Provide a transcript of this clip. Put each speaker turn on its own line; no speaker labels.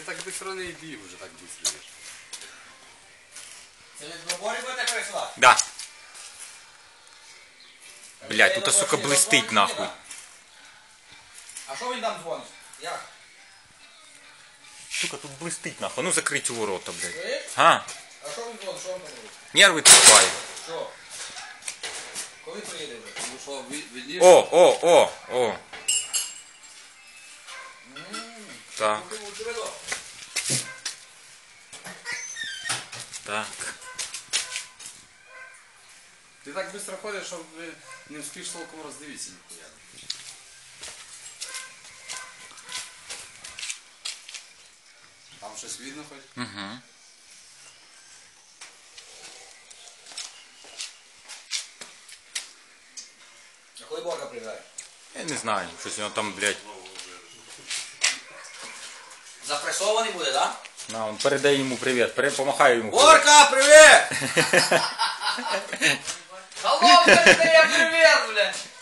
так быстро не йди вже так быстро.
Це від Боборі будете прийшла?
Да. Блядь, тут, сука, блистить нахуй.
А що він там дзвонить? Як?
Сука, тут блистить нахуй. Ну закрыть у ворота, блядь.
Чуєш?
А?
А що він дзвонить? Що він там робить?
Нервы трепает.
Що? Коли приїде вже?
Ну що, видиш?
О. Так. Так.
Ти так швидко ходиш, що не встигнеш толком роздивитися ніхуя. Там щось видно хоч?
Угу.
А коли Борка приїжджає?
Я не знаю, щось воно там, блядь.
Запресований буде, так?
На, он передай йому привіт. Помахай йому.
Борка, привіт! Алло, передає привіт, блядь!